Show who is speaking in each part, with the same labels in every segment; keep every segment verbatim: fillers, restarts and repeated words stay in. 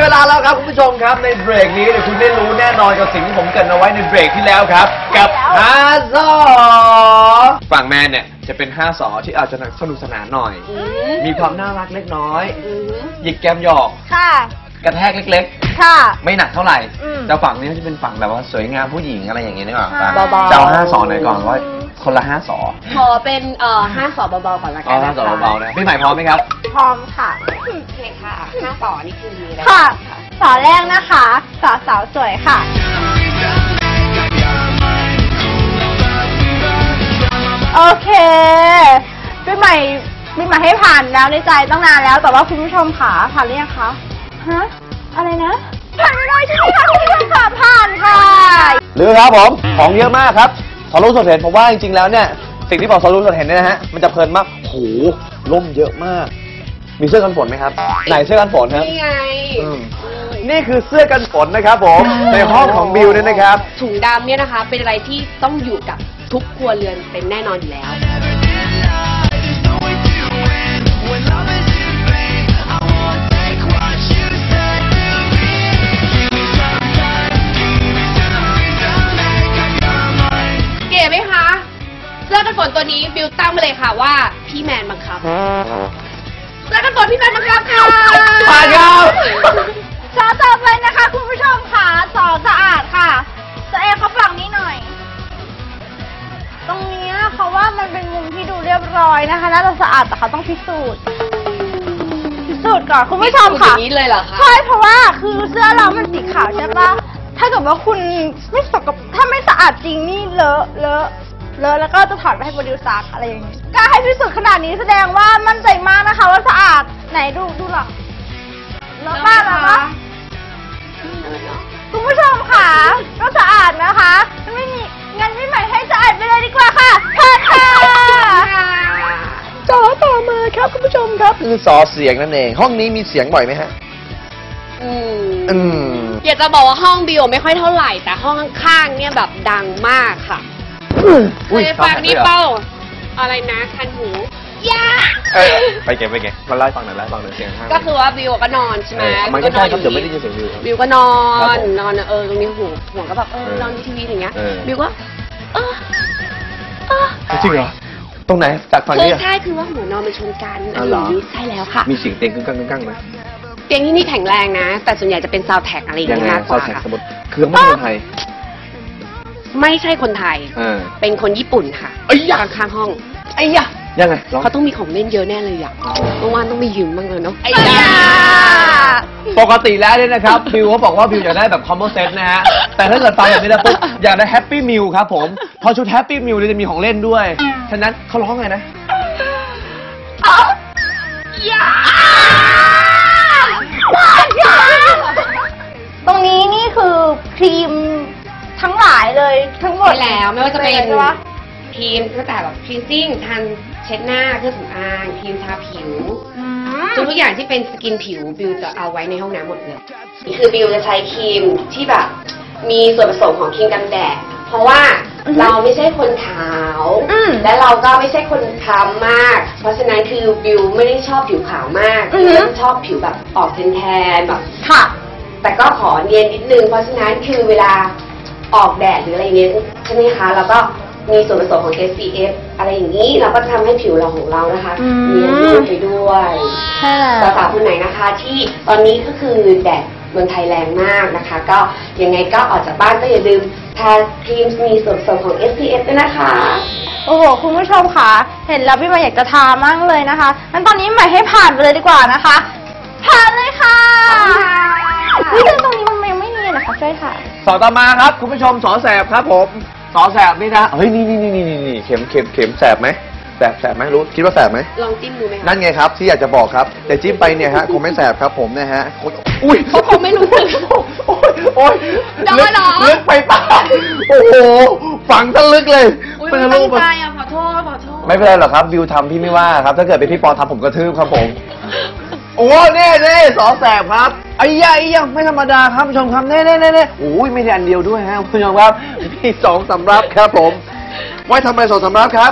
Speaker 1: ลาแล้วครับคุณผู้ชมครับในเบรกนี้เนี่ยคุณได้รู้แน่นอนกับสิ่งที่ผมเกริ่นเอาไว้ในเบรกที่แล้วครับกับห้าสอฝั่งแมนเนี่ยจะเป็นห้าสอที่อาจจะสนุกสนานหน่อยมีความน่ารักเล็กน้อยหยิกแก้มหยอก
Speaker 2: ค่ะ
Speaker 1: กระแทกเล็ก
Speaker 2: ๆค่ะ
Speaker 1: ไม่หนักเท่าไหร่แต่ฝั่งนี้จะเป็นฝั่งแบบว่าสวยงามผู้หญิงอะไรอย่างเงี้ยนี่หว่า
Speaker 2: เจ้า
Speaker 1: ห้าสอหน่อยก่อนว่าคนละห้าสอ
Speaker 3: ขอเป็นเอ่อห้าสอเบาๆก่อนละกัน
Speaker 1: ห้าสอเบาๆนะพี่ใหม่พร้อมไหมครับ
Speaker 2: พร้อมค่ะ
Speaker 3: โอเคค่ะห้าสอนี่คือมีอะไร
Speaker 2: ค่ะสอแรกนะคะสอสาวสวยค่ะโอเคพี่ใหม่พี่ใหม่ให้ผ่านแล้วในใจตั้งนานแล้วแต่ว่าคุณผู้ชมขาผ่านหรือยังคะฮะอะไรนะผ่านไม่ได้ใช่ไหมคะคุณผู้ชมขาผ่านค่ะ
Speaker 1: หรือครับผมของเยอะมากครับสอนรู้สดเห็นผมว่าจริงๆแล้วเนี่ยสิ่งที่บอกสอนรู้สดเห็นเนี่ยนะฮะมันจะเพลินมากโหล่มเยอะมากมีเสื้อกันฝนไหมครับไหนเสื้อกันฝนครับ
Speaker 3: นี่ไง
Speaker 1: นี่คือเสื้อกันฝนนะครับผมในห้องของบิวเนี่ยนะครับ
Speaker 3: ถุงดำเนี่ยนะคะเป็นอะไรที่ต้องอยู่กับทุกครัวเรือนเป็นแน่นอนอยู่แล้วเก๋ไหมคะเสื้อกันฝนตัวนี้บิวตั้งมาเลยค่ะว่าพี่แมนบังคับเสื้อกันฝนพี่แมนบังคับค่ะ
Speaker 1: ผ่านครับ
Speaker 2: สอต่อไปนะคะคุณผู้ชมค่ะสอสะอาดค่ะจะเอเขาฝั่งนี้หน่อยตรงนี้เขาว่ามันเป็นมุมที่ดูเรียบร้อยนะคะน่าจะสะอาดแต่เขาต้องพิสูจน์พิสูจน์ก่อนคุณผู้ชมค่ะ
Speaker 3: นี้เลยเหรอคะ
Speaker 2: ใช่เพราะว่าคือเสื้อเรามันสีขาวใช่ปะถ้าเกิดว่าคุณไม่สกปรกถ้าไม่สะอาดจริงนี่เลอะเลอะเลอะแล้วก็จะถอดไปให้โปรดิวซักอะไรอย่างนี้กล้าให้พิสูจน์ขนาดนี้แสดงว่ามั่นใจมากนะคะว่าสะอาดไหนดูดูหรอเลอะมากแล้วนะคุณผู้ชมค่ะก็สะอาดนะคะไม่มีงั้นพี่ใหม่ให้สะอาดไปเลยดีกว่าค่ะค่ะค่ะ
Speaker 1: จอต่อมาครับคุณผู้ชมครับคือสอเสียงนั่นเองห้องนี้มีเสียงบ่อยไหมฮะ
Speaker 3: อืมอืมอยากจะบอกว่าห้องบิวไม่ค่อยเท่าไหร่แต่ห้องข้างๆเนี่ยแบบดังมากค่ะเคยฟังนี่เป้าอะไรนะคันหูยา
Speaker 1: ไปเก็บไปเก็บมาไล่ฟังหน่อยไล่ฟังหน่อยเสียงข้าง
Speaker 3: ก็คือว่าบิวก็นอนใช่ไหม
Speaker 1: มันก็ใช่ครับเดี๋ยวไม่ได้ยินเสียงบิว
Speaker 3: บิวก็นอนนอนเออตรงนี้หูหัวก็แบบเออนอนดูทีวีอย่างเงี้ยบิวก็เออเออ
Speaker 1: จริงเหรอตรงไหนจากฝั่งนี้
Speaker 3: ใช่คือว่าหัวนอนมันชนกันอันนี้ใช่แล้วค่ะ
Speaker 1: มีเสียงเตียงกึ่งกึ่งกึ่งไหม
Speaker 3: เตียงที่นี่แข็งแรงนะแต่ส่วนใหญ่จะเป็นซาวด์แท็กอะไรอย่างเงี้ยมากกว่า
Speaker 1: สมมติคือไม่ใช่คนไทย
Speaker 3: ไม่ใช่คนไทยเป็นคนญี่ปุ่นค่ะ
Speaker 1: ไอ้ยา
Speaker 3: ข้างห้อง
Speaker 1: ไอ้ยายังไง
Speaker 3: เขาต้องมีของเล่นเยอะแน่เลยอ่ะเมื่อวานต้องมียืมบ้างเลยเนาะไอ้ยา
Speaker 1: ปกติแล้วเนี่ยนะครับบิวเขาบอกว่าบิวอยากได้แบบคอมโบเซตนะฮะแต่ถ้าเกิดฟังแบบนี้แล้วปุ๊บอยากได้แฮปปี้มิลครับผมพอชุดแฮปปี้มิลจะมีของเล่นด้วยฉะนั้นเขาร้องไงนะ
Speaker 2: ตรงนี้นี่คือครีมทั้งหลายเลยทั้งหมด
Speaker 3: แล้วไม่ว่าจะเป็นครีมตั้งแต่แบบคลีนซิ่งทันเช็ดหน้าเครื่องสำอางครีมทาผิวทุกอย่างที่เป็นสกินผิวบิวจะเอาไว้ในห้องน้ำหมดเลยคือบิวจะใช้ครีมที่แบบมีส่วนผสมของครีมกันแดดเพราะว่าเราไม่ใช่คนขาวและเราก็ไม่ใช่คนคล้ำมากเพราะฉะนั้นคือบิวไม่ได้ชอบผิวขาวมากบิวชอบผิวแบบออกแทนๆแบบ
Speaker 2: ค่ะ
Speaker 3: แต่ก็ขอเนียนนิดนึงเพราะฉะนั้นคือเวลาออกแดดหรืออะไรเงี้ยใช่ไหมคะแล้วก็มีส่วนผสมของ เอส พี เอฟ อะไรอย่างนี้เราก็จะทำให้ผิวเราของเรานะคะเนียนนุ่มไปด้วยสาวๆคนไหนนะคะที่ตอนนี้ก็คือแดดเมืองไทยแรงมากนะคะก็ยังไงก็ออกจากบ้านก็อย่าลืมทาครีมมีส่วนผสมของ เอส พี เอฟ ด้วยนะคะ
Speaker 2: โอ้โหคุณผู้ชมค่ะเห็นแล้วพี่ใหม่อยากจะทามากเลยนะคะงั้นตอนนี้ใหม่ให้ผ่านไปเลยดีกว่านะคะผ่านเลยค่ะนี่ตรงนี้มันยังไม่เนียนนะคะช่วยค่ะ
Speaker 1: สอต่อมาครับคุณผู้ชมสอแสบครับผมสอแสบนี่นะเฮ้ยนี่นี่นี่นี่นี่เข็มเข็มเข็มแสบไหมแสบแสบไหมรู้คิดว่าแสบไหม
Speaker 3: ลองจิ้มดูไหม
Speaker 1: นั่นไงครับที่อยากจะบอกครับแต่จิ้มไปเนี่ยฮะคงไม่แสบครับผมนะฮะ
Speaker 3: อุ้ยเขาคงไม่รู้สึก
Speaker 1: โอ้ยโอ้ยลึกไปป่ะโอ้โหฝังทะลึกเลย
Speaker 3: ไม่ตั้งใจอ่ะขอโทษขอโทษ
Speaker 1: ไม่เป็นไรหรอกครับบิวทำพี่ไม่ว่าครับถ้าเกิดเป็นพี่ปอทำผมกระทืบครับผมโอ้เน่เน่สอแสบครับไอ้ยาไอ้ยาไม่ธรรมดาครับผู้ชมครับเน่เน่เน่เน่โอ้ยไม่ได้อันเดียวด้วยฮะผู้ชมครับมีสองสำรับครับผมไว้ทำไมสองสำรับครับ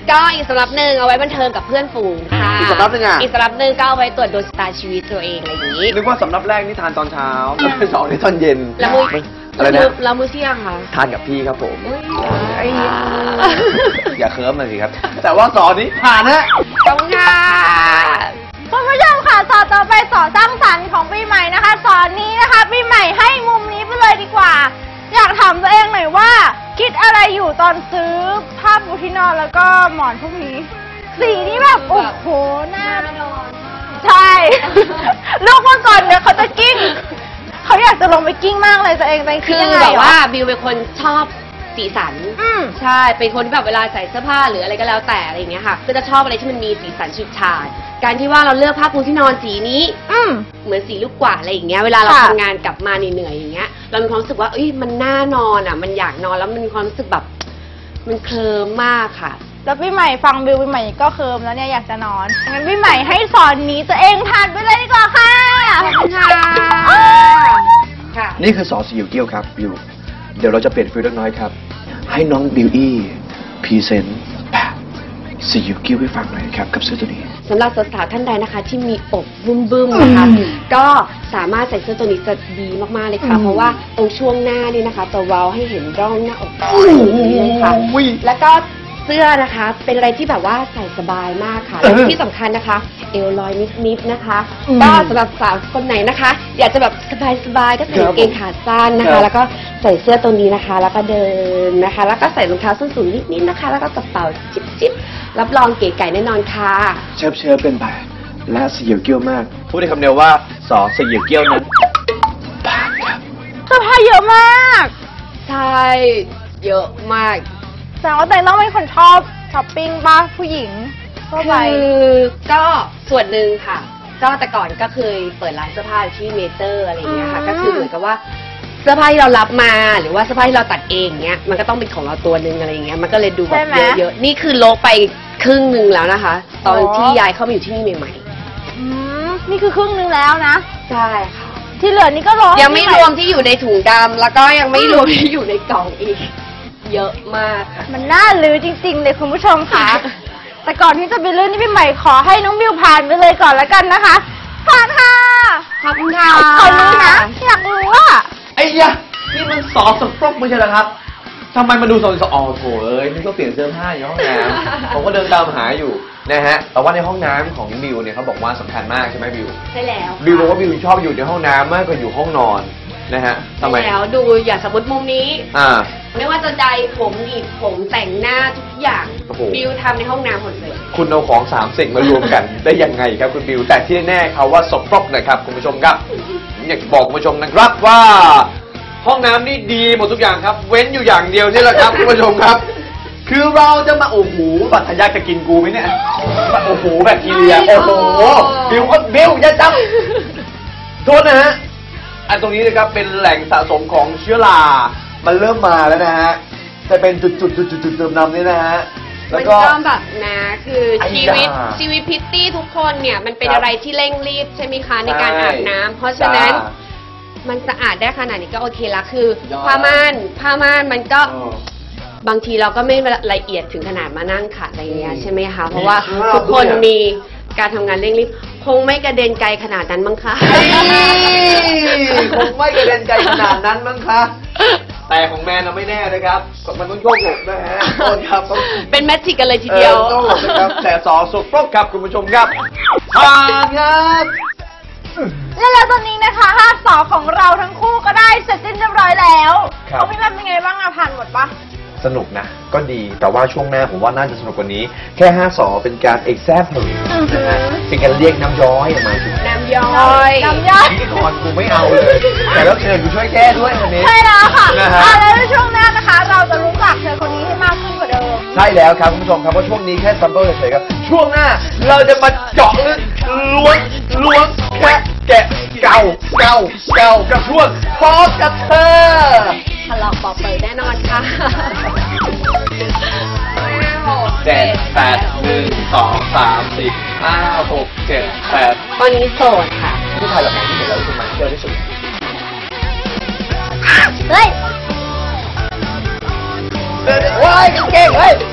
Speaker 3: ก็อีกสำรับหนึ่งเอาไว้บันเทิงกับเพื่อนฝูงค่ะ
Speaker 1: อีกสำรับหนึ่งอ่ะ
Speaker 3: อีกสำรับหนึ่งก็เอาไว้ตรวจดวงชะตาชีวิตตัวเองอะไรอย่างนี้
Speaker 1: นึกว่าสำรับแรกนี่ทานตอนเช้าสำรับสองนี่ตอนเย็น
Speaker 3: แล้วมื้อ
Speaker 1: อะไรนะ
Speaker 3: แล้วมื้อเที่ยงค่ะ
Speaker 1: ทานกับพี่ครับผม
Speaker 3: อุ๊ย
Speaker 1: ไอ้อย่าเคิร์ฟมาสิครับ แต่ว่าสอนนี้ผ่านฮะ
Speaker 3: ขอบคุณค่ะ
Speaker 2: คุณผู้ชมค่ะสอนต่อไปสอนสร้างสรรค์ของปีใหม่นะคะสอนนี้นะคะปีใหม่ให้มุมนี้ไปเลยดีกว่า อยากถามตัวเองหน่อยว่า คิดอะไรอยู่ตอนซื้อผ้าปูที่นอนแล้วก็หมอนพวกนี้ สีนี้แบบโอ้โหน่านอนใช่ ลูกเมื่อก่อนเนี่ยเขาจะกิ้งเขาอยากจะลงไปกิ้งมากเลยตัวเองตัวเองคิ
Speaker 3: คื
Speaker 2: ด
Speaker 3: อ
Speaker 2: ยังไง
Speaker 3: แบบ
Speaker 2: เหรอ
Speaker 3: ว่าบิวเป็นคนชอบสีสัน
Speaker 2: อืม
Speaker 3: ใช่ เป็นคนที่แบบเวลาใส่เสื้อผ้าหรืออะไรก็แล้วแต่อะไรอย่างเงี้ยค่ะ ก็จะชอบอะไรที่มันมีสีสันฉูดฉาด การที่ว่าเราเลือกผ้าปูที่นอนสีนี้
Speaker 2: อืม
Speaker 3: เหมือนสีลูกกวาดอะไรอย่างเงี้ย เวลาเรา
Speaker 2: ค่ะ
Speaker 3: ทำงานกลับมาเหนื่อยๆอย่างเงี้ย เรามีความรู้สึกว่าเอ้ย มันน่านอนอ่ะ มันอยากนอนแล้วมันมีความรู้สึกแบบ มันเคลิ้มมากค่ะ
Speaker 2: แล้วพี่ใหม่ฟังบิวพี่ใหม่ก็เคิมแล้วเนี่ยอยากจะนอนงั้นพี่ใหม่ให้สอนหนี้ตัวเองผ่านไปเลยดีกว่าค่ะ
Speaker 3: ขอบคุณค่ะ ค่ะ
Speaker 1: นี่คือสอสยิวเกี้ยวครับบิว เดี๋ยวเราจะเปลี่ยนฟิลเล็กน้อยครับ ให้น้องบิวอี้พรีเซนต์แบบสยิวเกี้ยวให้ฟังหน่อยครับกับเสื้อตัวนี้
Speaker 3: สำหรับสาวๆท่านใดนะคะ ที่มีอกบึ้มๆนะคะ ก็สามารถใส่เสื้อตัวนี้จะดีมากๆเลยค่ะ
Speaker 2: อืม
Speaker 3: เพราะว่าตรงช่วงหน้านี่นะคะจะเว้าให้เห็นร่องหน้าอกเลยค่ะ
Speaker 1: อุ้ย
Speaker 3: แล้วก็เสื้อนะคะเป็นอะไรที่แบบว่าใส่สบายมากค่ะ
Speaker 1: เออ
Speaker 3: และที่สำคัญนะคะ เอวลอยนิดๆนะคะ ก็สำหรับสาวคนไหนนะคะ อยากจะแบบสบายๆก็ใส่กางเกงขาสั้นนะ
Speaker 1: ครั
Speaker 3: คะ
Speaker 1: บ
Speaker 3: แล้วก็ใส่เสื้อตัวนี้นะคะ แล้วก็เดินนะคะ แล้วก็ใส่รองเท้าส้นสูงนิดๆนะคะ แล้วก็กระเป๋าจิ๊บๆรับรองเก๋ไก่แน่นอนค่ะ
Speaker 1: เชิบเชิบเป็นแบบและสยิวเกี้ยวมาก พูดในคำเดียวว่าสอสยิวเกี้ยวนั้นผ่านครับ
Speaker 2: เสื้อผ้าเยอะมาก
Speaker 3: ใช่เยอะมาก
Speaker 2: แสดงว่าตัวเองต้องเป็นคนชอบช้อปปิ้งป่ะผู้หญิงทั่วไป
Speaker 3: คือก็ส่วนหนึ่งค่ะ ก็แต่ก่อนก็เคยเปิดร้านเสื้อผ้าที่เมเจอร์อะไรอย่างเงี้ยค่ะ
Speaker 2: อืม
Speaker 3: ก็คือเหมือนกับว่าเสื้อผ้าที่เรารับมาหรือว่าเสื้อผ้าที่เราตัดเองเงี้ยมันก็ต้องเป็นของเราตัวหนึ่งอะไรอย่างเงี้ยมันก็เลยดูแบ
Speaker 2: ใช่
Speaker 3: บ
Speaker 2: ไหม
Speaker 3: เยอะๆนี่คือโลกไปครึ่งหนึ่งแล้วนะคะ ตอน
Speaker 2: อ๋อ
Speaker 3: ที่ย้ายเข้ามาอยู่ที่นี่ใหม่
Speaker 2: อืมนี่คือครึ่งนึงแล้วนะ
Speaker 3: ๆใช่ค่ะ
Speaker 2: ที่เหลือนี่ก็รอ
Speaker 3: ยังไม่รวมที่อยู่ในถุงดำแล้วก็ยังไม่รวมที่อยู่ในกล่องอีก เยอะมากค่ะ
Speaker 2: มันน่าลือจริงๆเลยคุณผู้ชมค่ะ แต่ก่อนที่จะไปเรื่องนี้พี่ใหม่ขอให้น้องบิวผ่านไปเลยก่อนแล้วกันนะคะ ผ่านค่ะ
Speaker 3: ขอบคุณค่ะ
Speaker 2: ขอรู้นะอยากรู้ว่า
Speaker 1: ไอ้ยะนี่มันสอสปรกไม่ใช่เหรอครับทำไมมาดูสอสอ๋อโถเอ้ยนี่ก็เปลี่ยนเสื้อผ้าอยู่ห้องน้ำ ผมก็เดินตามหาอยู่นะฮะ แต่ว่าในห้องน้ำของบิวเนี่ยเขาบอกว่าสำคัญมากใช่ไหมบิว
Speaker 3: ใช่แล้ว
Speaker 1: บิวบอกว่าบิวชอบอยู่ในห้องน้ำมากกว่าอยู่ห้องนอนนะฮะทำไม
Speaker 3: ใช่แล้วดูอย่าสมมติมุมนี้
Speaker 1: อ่า
Speaker 3: ไม่ว่าจะใดผมหนีบผมแต่งหน้าทุกอย่าง
Speaker 1: โอ้โห
Speaker 3: บิวทำในห้องน้ำหมดเลย
Speaker 1: คุณเอาของสามสิ่งมารวมกัน ได้ยังไงครับคุณบิว แต่ที่แน่ๆเขาว่าสปรกนะครับคุณผู้ชมครับผมอยากจะบอกคุณผู้ชมนะครับว่า ห้องน้ำนี่ดีหมดทุกอย่างครับ เว้นอยู่อย่างเดียวนี่แหละครับคุณผู้ชมครับ คือเราจะมาโอ้โหบัตรทะยักจะกินกูไหมเนี่ยโอ้โหแบคทีเรียโอ้โหบิวก็บิวอย่าจับโทษนะฮะอันตรงนี้นะครับเป็นแหล่งสะสมของเชื้อรามันเริ่มมาแล้วนะฮะจะเป็นจุดๆๆๆๆเติมน้ำนี่นะฮะแล้
Speaker 3: มั
Speaker 1: วน ก็
Speaker 3: ก็แบบนะคือ
Speaker 1: ไอ้
Speaker 3: ชีวิต
Speaker 1: ยา
Speaker 3: ชีวิตพิตตี้ทุกคนเนี่ยมันเป็น
Speaker 1: ครับ
Speaker 3: อะไรที่เร่งรีบใช่ไหมคะในการ
Speaker 1: ใช่
Speaker 3: อาบน้ำเพราะฉะนั้น
Speaker 1: จ้า
Speaker 3: มันสะอาดได้ขนาดนี้ก็โอเคละคือ
Speaker 1: ยอด
Speaker 3: ผ้าม่านผ้าม่านมันก็
Speaker 1: เออ
Speaker 3: บางทีเราก็ไม่ละเอียดถึงขนาดมานั่งขัดอะไรเงี้ย
Speaker 1: อืม
Speaker 3: ใช่ไหมคะเพราะว่า
Speaker 1: มีคราบ
Speaker 3: ทุกคน
Speaker 1: ด้วยอะ
Speaker 3: มีการทำงานเร่งรีบคงไม่กระเด็นไกลขนาดนั้นมั้งคะ
Speaker 1: คงไม่กระเด็นไกลขนาดนั้นมั้งคะ แต่ของแมนน่ะไม่แน่นะครับ มันต้องโยกหลบนะฮะโทษครับต้อง
Speaker 3: เป็นแมทริกกันเลยทีเดียว
Speaker 1: ออต้องหลบนะครับ แต่สอสุดปรกครับคุณผู้ชมครับผ่านครับ
Speaker 2: และแล้วตอนนี้นะคะห้าสอของเราทั้งคู่ก็ได้เสร็จสิ้นเรียบร้อยแล้ว
Speaker 1: ครับ
Speaker 2: เขาพี่แม่เป็นไงบ้างอะผ่านหมดปะ
Speaker 1: สนุกนะ ก็ดี แต่ว่าช่วงหน้าผมว่าน่าจะสนุกกว่านี้ แค่ห้าสอเป็นการ example นะฮะเป็นการเรียกน้ำย้อยออกมาถึง
Speaker 3: น้ำย้อย
Speaker 2: น้ำย่อย
Speaker 1: พิธีกรกูไม่เอาเลย แต่แล้วเชิญกูช่วยแก้ด้วยวันนี้
Speaker 2: ใช่แล้วค่ะ
Speaker 1: นะฮะ
Speaker 2: อ่ะแล้วในช่วงหน้านะคะ เราจะรู้จักเธอคนนี้ให้มากขึ้นกว่าเดิม
Speaker 1: ใช่แล้วครับคุณผู้ชมครับว่าช่วงนี้แค่ซัมเปิลเฉยๆครับ ช่วงหน้าเราจะมาเจาะลึกล้วงล้วงแคะแกะเก่าเก่าเก่ากับช่วงพอกับเธอ
Speaker 3: ทะเลาะบอกเปิดแน่นอนค่ะ
Speaker 1: เจ็ดแปดหนึ่งสองสามสี่ห้าหกเจ็ดแปด
Speaker 3: ตอนนี้โสดค่ะ
Speaker 1: ผู้ชายแบบไหนที่เห็นแล้วรู้สึกมันเชื่อที่สุด
Speaker 2: เฮ้ย
Speaker 1: ว้ายเก่งเฮ้ย